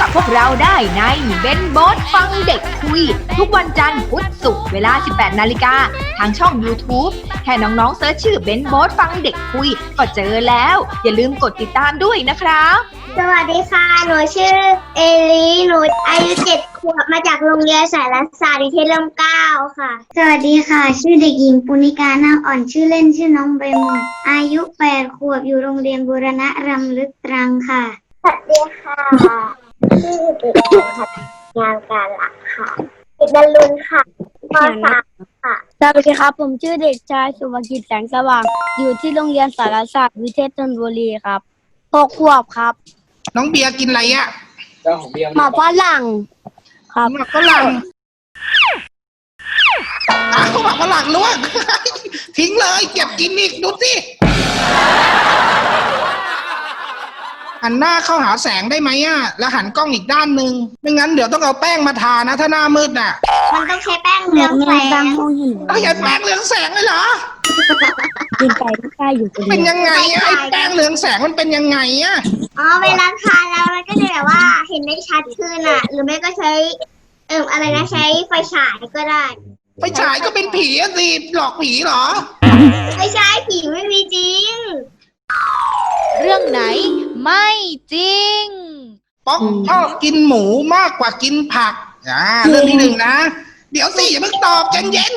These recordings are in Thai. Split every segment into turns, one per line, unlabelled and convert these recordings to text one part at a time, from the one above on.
พวกเราได้ในเบนโบสฟังเด็กคุยทุกวันจันทร์พุธศุกร์เวลา 18 นาฬิกาทางช่อง YouTube แค่น้องๆเซิร์ชชื่อเบนโบสฟังเด็กคุยก็เจอแล้วอย่าลืมกดติดตามด้วยนะครับ
สวัสดีค่ะ หนูชื่อเอลีหนูอายุ7 ขวบมาจากโรงเรียนสารศาสตร์วิเทศร่มเกล้าค่ะ สวัสดีค่ะ ชื่อเด็กหญิงปุณิกานาอ่อนชื่อเล่นชื่อน้องใบหมอนอายุ8 ขวบอยู่โรงเรียนบูรณะรำลึกตรังค่ะ สวัสดีค่ะ ชื่อเด็กหญิงค่ะงานการหลักค่ะเด็กบรรลุนค่ะป .3 ค่ะ
สวัสดีครับผมชื่อเด็กชายสุภกิจแสงสว่างอยู่ที่โรงเรียนสารศาสตร์วิเทศธนบุรีครับ6 ขวบครับ
น้องเบียร์กินอะไรอ่ะ
เจ้าของเบียร์
หมาฝรั่งครับ
หมักฝรั่งอ้าวหมักฝรั่งลวก ทิ้งเลยเก็บกินอีกดูสิหันหน้าเข้าหาแสงได้ไหมอ่ะแล้วหันกล้องอีกด้านหนึ่งไม่งั้นเดี๋ยวต้องเอาแป้งมาทานะถ้าหน้ามืดน่ะ
มันต้องใช้แป้งเรืองแส
บาง
ง
ห้องเห็น
ต้องใช้แป้งเรืองแสงเลยเหรอ
กินไปไม่กล้าอยู่คน
เป็
เดี
น
ยว
ยังไงอะไอ้แป้งเรืองแสงมันเป็นยังไงอ่ะ
อ๋อเวลาทานแล้วมันก็จะแบบว่าเห็นได้ชัดขึ้นอ่ะ หรือไม่ก็ใช้อะไรนะใช้ไฟฉายก็ได้
ไฟฉายก็เป็นผีอะสิหลอกผีเหรอ
ไม่ใช่ผีไม่มีจริง
เรื่องไหนไม่จริง
ป๊อกชอบกินหมูมากกว่ากินผักเรื่องที่หนึ่งนะ เดี๋ยวสิอย่าเพิ่งตอบใจเย็น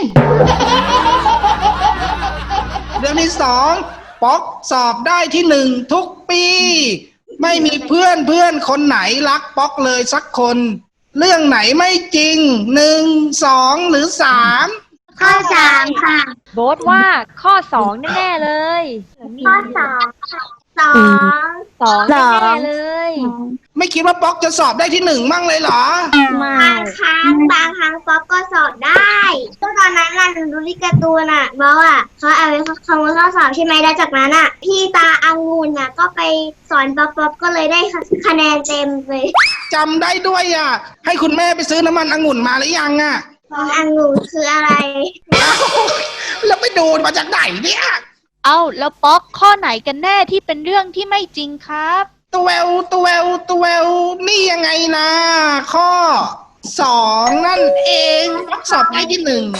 เรื่องที่สองป๊อกสอบได้ที่หนึ่งทุกปี ไม่มีเพื่อนคนไหนรักป๊อกเลยสักคน เรื่องไหนไม่จริง1 2 หรือ 3
ข้อ3ค่ะ
โบสว่าข้อ 2 แน่ๆเลย
ข้อ2ค่ะ2
2 แน่ๆเลย
ไม่คิดว่าป๊อกจะสอบได้ที่หนึ่งมั่งเลยเหรอ
ไม่
บางครั้งป๊อปก็สอบได้ก็ตอนนั้นน่ะหนูดูที่การ์ตูนอ่ะบอกอ่ะเขาเอาไว้คำนวณข้อสอบใช่ไหมแล้วจากนั้นอ่ะพี่ตาองุ่นอ่ะก็ไปสอนป๊อปก็เลยได้คะแนนเต็มเลย
จำได้ด้วยอ่ะ ให้คุณแม่ไปซื้อน้ำมันองุ่นมาหรือยังอ่ะ
องุ่นคืออะไร
เอ้าแล้วไปดูมาจากไหนเนี่ย
เอาแล้วป๊อกข้อไหนกันแน่ที่เป็นเรื่องที่ไม่จริงครับ
ตัวแววนี่ยังไงนะข้อ 2 นั่นเองป๊อกสอบได้ที่หนึ่ง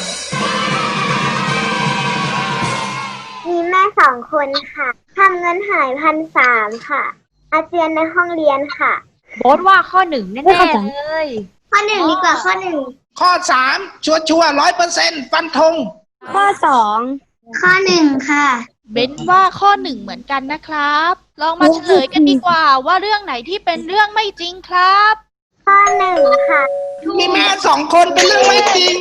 มีแม่2 คนค่ะทำเงินหาย1,300 ค่ะ อาเจียนในห้องเรียนค่ะ
โบสว่าข้อ 1 แน่ๆเลย
ข้อ 1ดีกว่าข้อ
ข้อ 3 ชัวร์100%ฟันธง
ข้อ
1ข้อ 1ค่ะ
เบนว่าข้อ 1เหมือนกันนะครับ ลองมาเฉลยกันดีกว่าว่าเรื่องไหนที่เป็นเรื่องไม่จริงครับ
ข้อ 1ค่ะ
มีแม่2 คนเป็นเรื่องไม่จริง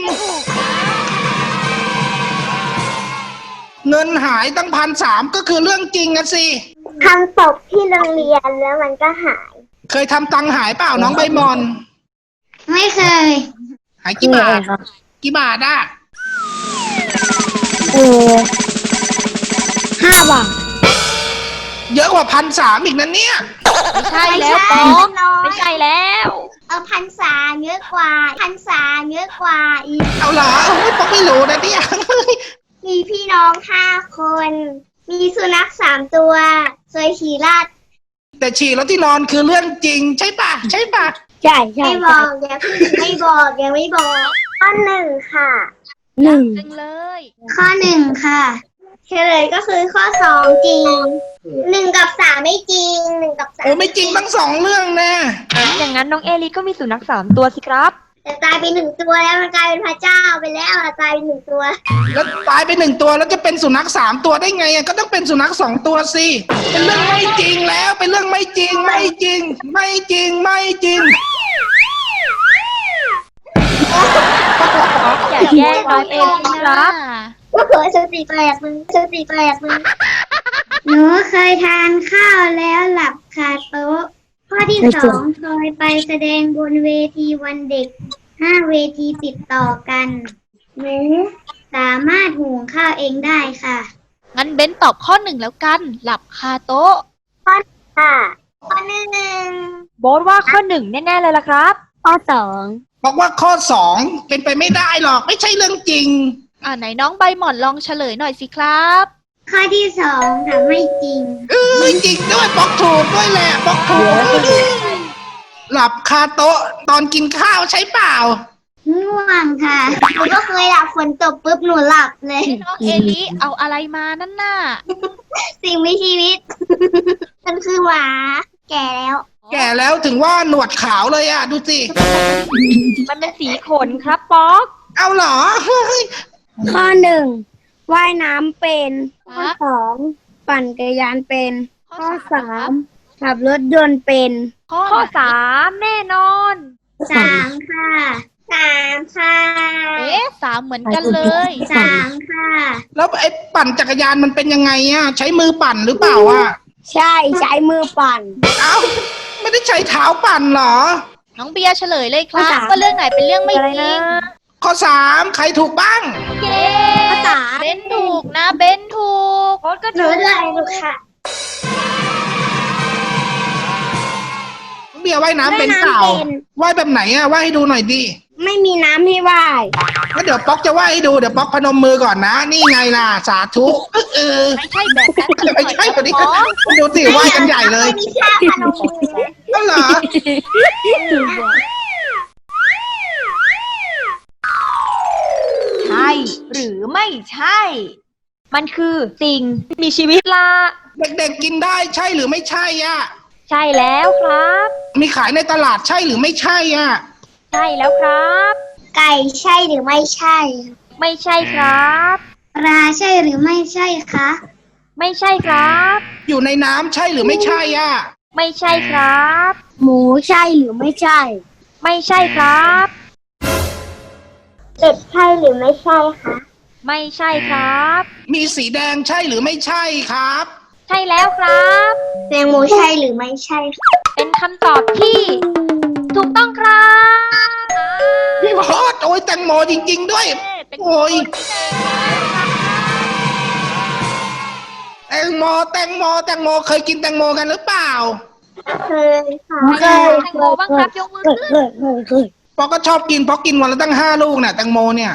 เงินหายตั้ง1,300ก็คือเรื่องจริงอะสิ
ทำศพที่โรงเรียนแล้วมันก็หาย
เคยทำตังค์หายเปล่าน้องใบมอน
ไม่เคย
หายกี่บาท กี่บาทอะ
5 บาท
เยอะกว่า1,300อีกนะเนี่ย
ไม่ใช่แล้วป๊อก ไม่ใช่แล้ว
1,300เยอะกว่า1,300เยอะกว่าอีก
เอาเหรอโอ้ยป๊อกไม่รู้นะเนี่ย
มีพี่น้อง5 คน มีสุนัข3 ตัวเคยขี่ลาด
แต่ฉี่แล้วที่นอนคือเรื่องจริงใช่ปะใช่ปะ
ใช่ใช่
ไม่บอกอย่าเพิ่งไม่บอกยังไม่บอก ข้อ 1ค่ะ
1
จริงเลย
ข้อ 1ค่ะเฉลยก็คือข้อ 2 จริง1 กับ 3ไม่จริง1 กับ 3
โอ้ไม่จริงทั้ง2 เรื่องแน่
อย่างนั้นน้องเอลิก็มีสุนัข3 ตัวสิครับ
แต่ตายไป1 ตัวแล้วมันกลายเป็นพระเจ้าไปแล้วอะตายไป1 ตัว
แล้วตายไป1 ตัวแล้วจะเป็นสุนัข3 ตัวได้ไงอะก็ต้องเป็นสุนัข2 ตัวสิเป็นเรื่องไม่จริงแล้วเป็นเรื่องไม่จริงไม่จริง ไม่จริงไม่จริง
อย่าแย่งน้องเอลิครับ
ก็เคยสติแปลกมึงหนูเคยทานข้าวแล้วหลับคาโต๊ะ ข้อที่ 2เคยไปแสดงบนเวทีวันเด็ก5 เวทีติดต่อกันหนูสามารถหุงข้าวเองได้ค่ะ
งั้นเบนตอบข้อ 1 แล้วกัน หลับคาโต๊ะ
ค่ะข้อ 1
โบสว่าข้อ 1 แน่ๆเลยล่ะครับ
ข้อ
บอกว่าข้อ 2เป็นไปไม่ได้หรอกไม่ใช่เรื่องจริง
ไหนน้องใบหม่อนลองเฉลยหน่อยสิครับ
ข้อที่2ค่ะไม่จริง
จริงด้วยบอกถูกด้วยแหละบอกถูกหลับคาโต๊ะตอนกินข้าวใช่เปล่า
ง่วงค่ะหนูก็เคยหลับฝนตกปุ๊บหนูหลับเลย
น้องเอลิเอาอะไรมานั่นน่ะ
สิ่งมีชีวิต มันคือหมาแก่แล้ว
แก่แล้วถึงว่าหนวดขาวเลยดูสิ
มันเป็นสีขนครับป๊อก
เอาเหรอ
ข้อ 1ว่ายน้ำเป็น ข้อ 2ปั่นจักรยานเป็น ข้อ 3ขับรถยนต์เป็น
ข้อ3แน่นอน
3 ค่ะ 3 ค่ะ
3เหมือนกันเลย
3 ค่ะ
แล้วไอ้ปั่นจักรยานมันเป็นยังไงใช้มือปั่นหรือเปล่า
ใช่ใช้มือปั่น
เอ้าไม่ได้ใช้เท้าปั่นเหรอ
น้องเบียร์เฉลยเลยครั
ข้
บ
อ 3
ว่าเรื่องไหนเป็นเรื่องไม่จริง
ข้อ3ใครถูกบ้าง
เย้เบนถูกนะเบนถูกโค้ดก็
หนู
ถูก
เลยลูกค่ะ
เบียร์ว่ายน้ำเป็นเปล่า
ว่ายน้ำเป็น
ว่ายแบบไหนว่ายให้ดูหน่อยดิ
ไม่มีน้ำให้ว่าย
งั้นเดี๋ยวป๊อกจะว่ายให้ดูเดี๋ยวป๊อกพนมมือก่อนนะ นี่ไงล่ะสาธุ
ไม่ใช่แบบนั้น
ไม่ใช่คนนี้ดูสิว่ายกันใหญ่เลย
ไม่มีท่าพนมมือเลย
ก็เหรอ
ใช่หรือไม่ใช่ มันคือสิ่งมีชีวิตละ
เด็กๆกินได้ใช่หรือไม่ใช่
ใช่แล้วครับ
มีขายในตลาดใช่หรือไม่ใช่
ใช่แล้วครับ
ไก่ใช่หรือไม่ใช่
ไม่ใช่ครับ
ปลาใช่หรือไม่ใช่คะ
ไม่ใช่ครับ
อยู่ในน้ำใช่หรือไม่ใช่
ไม่ใช่ครับ
หมูใช่หรือไม่ใช่
ไม่ใช่ครับ
เป็ดใช่หรือไม่ใช่คะ
ไม่ใช่ครับ
มีสีแดงใช่หรือไม่ใช่ครับ
ใช่แล้วครับ
แตงโมใช่หรือไม่ใช่คะ
เป็นคำตอบที่ถูกต้องครับ
พี่พอดโอ้ยแตงโมจริงๆด้วย โอ้ยแตงโมแตงโมแตงโมเคยกินแตงโมกันหรือเปล่า
เคยค่ะ
ใครแตงโมบ้างครับยกมือขึ้น
ป๊อกก็ชอบกินป๊อกกินวันละตั้ง5 ลูกเนี่ยแตงโมเนี่ย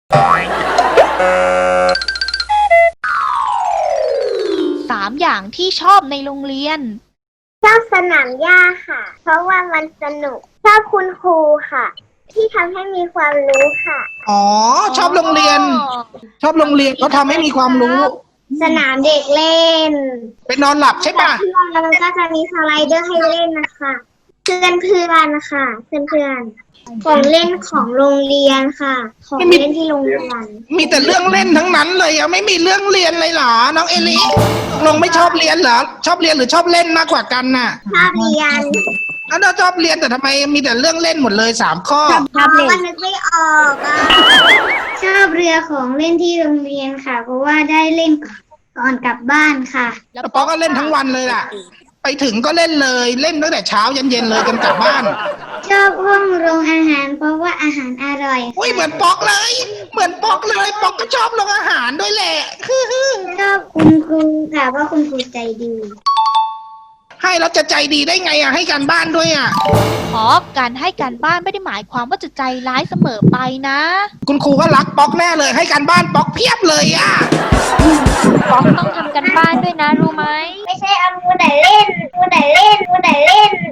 3อย่างที่ชอบในโรงเรียน
ชอบสนามหญ้าค่ะ เพราะว่ามันสนุก ชอบคุณครูค่ะ ที่ทำให้มีความรู้ค่ะ
อ๋อชอบโรงเรียน ชอบโรงเรียนเขาทำให้มีความรู้
สนามเด็กเล่น
ไปนอนหลับใช่ปะ
เพื่อนแล้วก็จะมีสไลเดอร์ให้เล่นนะคะเพื่อนค่ะเพื่อนของเล่นของโรงเรียนค่ะ ของเล่นที่โรงเรียน
มีแต่เรื่องเล่นทั้งนั้นเลยไม่มีเรื่องเรียนเลยเหรอน้องเอลิลงไม่ชอบเรียนเหรอชอบเรียนหรือชอบเล่นมากกว่ากันน่ะ
ชอบเรียน
แล้วเราชอบเรียนแต่ทำไมมีแต่เรื่องเล่นหมดเลย3 ข้อ
เพราะว่านึกไม่ออกชอบเรือของเล่นที่โรงเรียนค่ะ เพราะว่าได้เล่นก่อนกลับบ้านค่ะ
แล้วป๊อกก็เล่นทั้งวันเลยล่ะ ไปถึงก็เล่นเลยเล่นตั้งแต่เช้ายันเย็นเลยจนกลับบ้าน
ชอบห้องโรงอาหาร เพราะว่าอาหารอร่อย
อุ้ยเหมือนป๊อกเลย เหมือนป๊อกเลยป๊อกก็ชอบโรงอาหารด้วยแหละ
ชอบคุณครูค่ะเพราะคุณครูใจดี
ให้แล้วจะใจดีได้ไงให้การบ้านด้วย
ขอการให้การบ้านไม่ได้หมายความว่าจะใจร้ายเสมอไปนะ
คุณครูก็รักป๊อกแน่เลยให้การบ้านป๊อกเพียบเลย
ป๊อกต้องทำกันบ้านด้วยนะรู้ไหม
ไม่ใช่เอามือไหนเล่นมือไหนเล่นมือไหนเล่น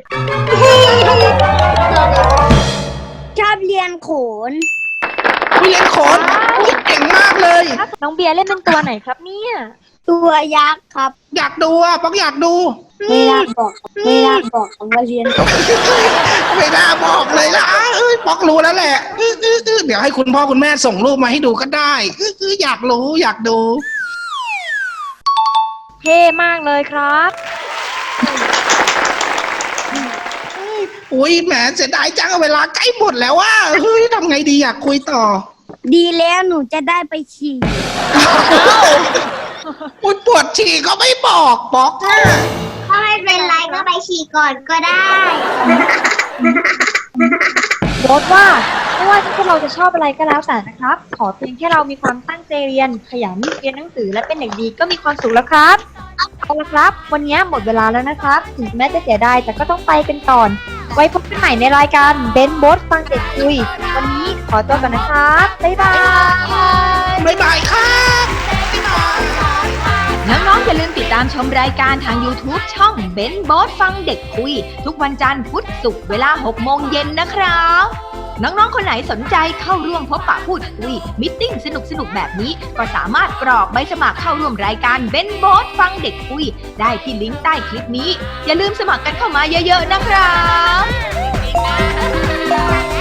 ชอบเรียนโขน
เล่นโขนเก่งมากเลย
น้องเบียร์เล่นเป็นตัวไหนครับเนี่ย
ตัวยักษ์ครับ
อยากดูป๊อกอยากดู
ไม่น่าบอกคำว่าเรียน
ไม่น่าบอกเลยนะป๊อกรู้แล้วแหละเดี๋ยวให้คุณพ่อคุณแม่ส่งรูปมาให้ดูก็ได้อยากรู้อยากดู
เท่มากเลยครับ
อุ้ยแหมเสียดายจังเวลาใกล้หมดแล้วเฮ้ยทำไงดีอยากคุยต่อ
ดีแล้วหนูจะได้ไปฉี่
อุ้ยปวดฉี่ก็ไม่บอกป๊อก
ถ้าไม่เป็นไรก็ไปฉี่ก่อนก็ได้
โบ๊ทว่าไม่ว่าพวกเราจะชอบอะไรก็แล้วแต่นะครับ ขอเพียงแค่เรามีความตั้งใจเรียนขยันเรียนหนังสือและเป็นเด็กดีก็มีความสุขแล้วครับเอาละครับ วันนี้หมดเวลาแล้วนะครับถึงแม้จะเสียดายแต่ก็ต้องไปกันก่อน ไว้พบกันใหม่ในรายการเบนโบ๊ทฟังเด็กคุยวันนี้ขอตัวก่อนนะครับบ๊ายบาย
บ๊ายบายครับ
น้องๆอย่าลืมติดตามชมรายการทาง YouTube ช่องเบนโบ๊ทฟังเด็กคุยทุกวันจันทร์พุธศุกร์เวลา 6 โมงเย็นนะครับ น้องๆ คนไหนสนใจเข้าร่วมพบปะพูดคุยมิทติ้งสนุกๆ แบบนี้ก็สามารถกรอกใบสมัครเข้าร่วมรายการเบนโบ๊ทฟังเด็กคุยได้ที่ลิงก์ใต้คลิปนี้อย่าลืมสมัครกันเข้ามาเยอะๆ นะครับ